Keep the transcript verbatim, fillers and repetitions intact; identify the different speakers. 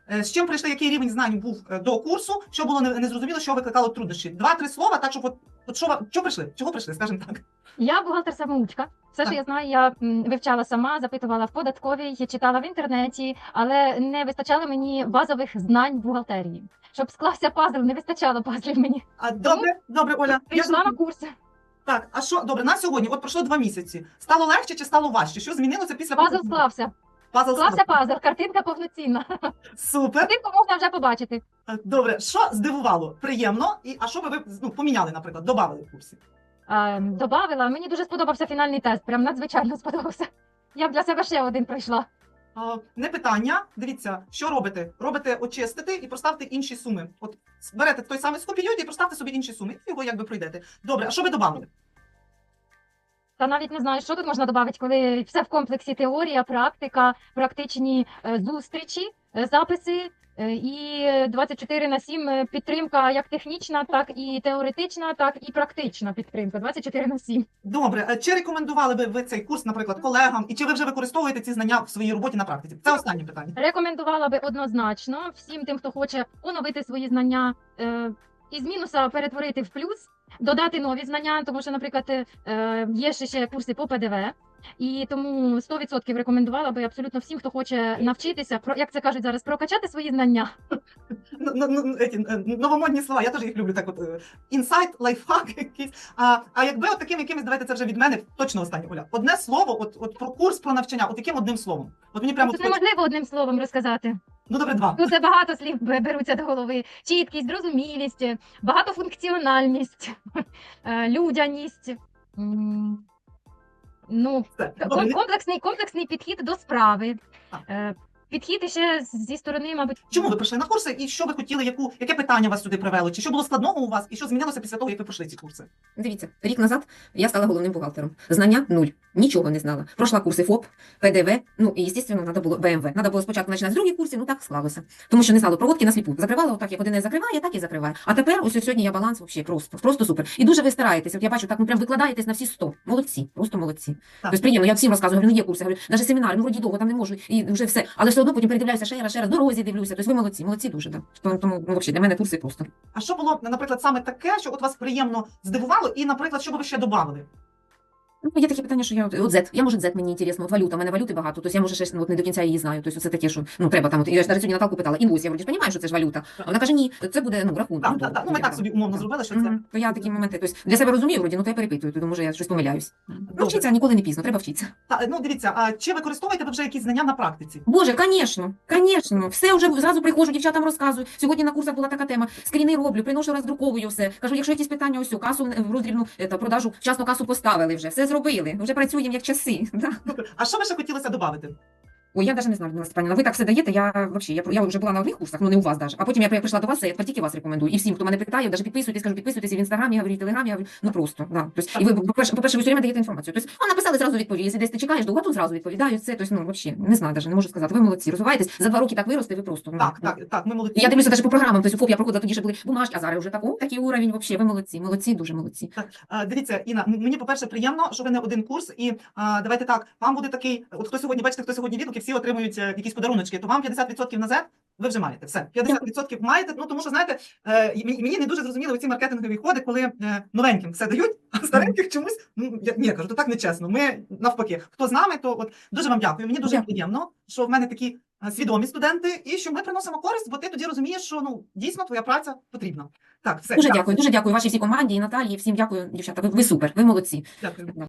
Speaker 1: Е, З чим прийшли, який рівень знань був е, до курсу, що було не- незрозуміло, що викликало труднощі? Два-три слова, так, щоб от, от що, ва- що прийшли? Чого прийшли, скажімо так?
Speaker 2: Я бухгалтер-самоучка. Все,
Speaker 1: Так.
Speaker 2: що я знаю, я м, вивчала сама, запитувала в податковій, читала в інтернеті, але не вистачало мені базових знань бухгалтерії. Щоб склався пазл, не вистачало пазлів мені.
Speaker 1: А, добре, добре, Оля. Я
Speaker 2: Прийшла на
Speaker 1: зрозуміла.
Speaker 2: курси.
Speaker 1: Так, а що, добре, на сьогодні, от пройшло два місяці. Стало легше чи стало важче? Що змінилося після
Speaker 2: Пазл
Speaker 1: покупки?
Speaker 2: склався.
Speaker 1: Пазл
Speaker 2: Склався пазл, картинка повноцінна.
Speaker 1: Супер.
Speaker 2: Картинку можна вже побачити.
Speaker 1: Е, Добре, що здивувало? Приємно. І, а що би ви ну, поміняли, наприклад, додали в курсі?
Speaker 2: А, добавила, мені дуже сподобався фінальний тест, прям надзвичайно сподобався. Я б для себе ще один пройшла.
Speaker 1: А, не питання. Дивіться, що робите? Робите очистити і проставте інші суми. От берете той самий скопіюєте і проставте собі інші суми. І його якби пройдете. Добре, а що ви додали?
Speaker 2: Та навіть не знаю, що тут можна додати, коли все в комплексі: теорія, практика, практичні е, зустрічі, е, записи е, і двадцять чотири на сім е, підтримка як технічна, так і теоретична, так і практична підтримка. двадцять чотири на сім.
Speaker 1: Добре, а чи рекомендували би ви цей курс, наприклад, колегам, і чи ви вже використовуєте ці знання в своїй роботі на практиці? Це останнє питання.
Speaker 2: Рекомендувала би однозначно всім тим, хто хоче оновити свої знання, е, із мінуса перетворити в плюс, додати нові знання, тому що, наприклад, е, є ще, ще курси по П Д В, і тому сто відсотків рекомендувала би абсолютно всім, хто хоче навчитися, про, як це кажуть зараз, прокачати свої знання.
Speaker 1: Ну, ну, ну, еті, е, новомодні слова, я теж їх люблю. Так, от е, інсайт, лайфхак якийсь. А, а якби от таким якимось, давайте це вже від мене, точно останнє, Оля. Одне слово, от, от про курс, про навчання, от яким одним словом. От мені прямо
Speaker 2: Тут
Speaker 1: от,
Speaker 2: неможливо одним словом розказати.
Speaker 1: ну добре, два.
Speaker 2: Тут забагато слів бе- беруться до голови: чіткість, зрозумілість, багатофункціональність, е, людяність. М, Ну,
Speaker 1: Все.
Speaker 2: Ком-
Speaker 1: Добре, не-
Speaker 2: комплексний, комплексний підхід до справи.
Speaker 1: Так.
Speaker 2: Е, Підхід іще з- зі сторони, мабуть,
Speaker 1: Чому ви прийшли на курси і що ви хотіли, яку, яке питання вас сюди привело? Чи що було складного у вас і що змінилося після того, як ви пройшли ці курси?
Speaker 3: Дивіться, рік назад я стала головним бухгалтером. Знання нуль, нічого не знала. Пройшла курси ФОП, П Д В, ну і, звісно, треба було Б М В. Треба було спочатку починати з других курсів, ну так склалося. Тому що не знала проводки на сліпу. Закривала отак, як один закриває, так і закриває. А тепер ось сьогодні я баланс взагалі просто, просто супер. І дуже ви стараєтесь. От я бачу, так ну прям викладаєтесь на всі сто. Молодці, просто молодці.
Speaker 1: Так.
Speaker 3: Тобто приємно, я всім розказую, говорю, ну є курси, говорю, навіть семінари, ну вроді довго там не можу, і вже все. Але все одно потім передивляюся ще раз, ще раз, дорозі дивлюся. Тобто ви молодці, молодці дуже, так. Тому, тому ну, взагалі, для мене курси просто.
Speaker 1: А що було, наприклад, саме таке, що от вас приємно здивувало, і, наприклад, що би ви ще додали?
Speaker 3: Ну, є такі питання, що я от Z, я може Z мені інтересно, от валюта, у мене валюти багато, тобто я може ще ну, от не до кінця її знаю. Тобто це таке, що ну треба там. От я ж навіть сьогодні Наталку питала, інвойс, я вроді ж розумію, що це ж валюта. А вона каже, ні, це буде ну рахунок.
Speaker 1: Так, так, так. Ну ми так собі умовно зробили, що це.
Speaker 3: Мгм. То я такі моменти, тобто для себе розумію, вроді, ну то я перепитую, то може я щось помиляюсь. Ну,
Speaker 1: Добре.
Speaker 3: вчитися ніколи не пізно, треба вчитися.
Speaker 1: Та, ну дивіться, а чи використовуєте ви вже якісь знання на практиці?
Speaker 3: Боже, звісно, звісно, все вже зразу приходжу, дівчатам розказую. Сьогодні на курсах була така тема, скріни роблю, приношу, роздруковую все. Кажу, якщо якісь питання, ось касу в роздрібну е, та продажу, вчасно касу поставили вже, все зробили, вже працюємо як часи. Да.
Speaker 1: Супер. А що ви ще хотілося додати?
Speaker 3: Ой, я навіть не знаю, Людмила Степанівна, ви так все даєте, я вообще, я, я вже була на одних курсах, ну не у вас навіть. А потім я при- прийшла до вас, я тепер тільки вас рекомендую. І всім, хто мене питає, навіть підписуйтесь, кажу, підписуйтесь і в інстаграмі, я говорю, і в телеграмі, я говорю, ну просто, да. Тобто, і ви, по-перше, по-перше, ви все время даєте інформацію. Тобто, ну, написали, зразу відповіді. Якщо десь ти чекаєш, довго, то зразу відповідають. Це, тобто, ну, вообще, не знаю, навіть, не можу сказати. Ви молодці, розвиваєтесь, за два роки так виросте, ви просто. Ну,
Speaker 1: Так,
Speaker 3: ну.
Speaker 1: так, так, ми молодці.
Speaker 3: Я дивлюся навіть по програмам, тобто, ФОП я проходила, тоді ще були бумажки, а зараз вже так, о, такий уровень, вообще, ви молодці, молодці, дуже молодці.
Speaker 1: Так, а, дивіться, Інна, м- мені, по-перше, приємно, що ви не один курс, і а, давайте так, вам буде такий, от хто сьогодні, бачите, хто сьогодні відгуки, всі отримують е, якісь подаруночки, то вам п'ятдесят відсотків на Z ви вже маєте, все, п'ятдесят відсотків маєте, ну тому що, знаєте, е, і мені мені не дуже зрозуміли ці маркетингові ходи, коли е, новеньким все дають, а стареньких чомусь, ну, я, ні, я кажу, то так нечесно, ми навпаки, хто з нами, то от дуже вам дякую, мені дуже
Speaker 3: Дякую.
Speaker 1: приємно, що в мене такі е, свідомі студенти, і що ми приносимо користь, бо ти тоді розумієш, що, ну, дійсно, твоя праця потрібна. Так, все,
Speaker 3: Дуже дякую, дуже дякую вашій всій команді і Наталії, всім дякую, дівчата, ви, ви супер, ви молодці.
Speaker 1: дякую.
Speaker 3: Да.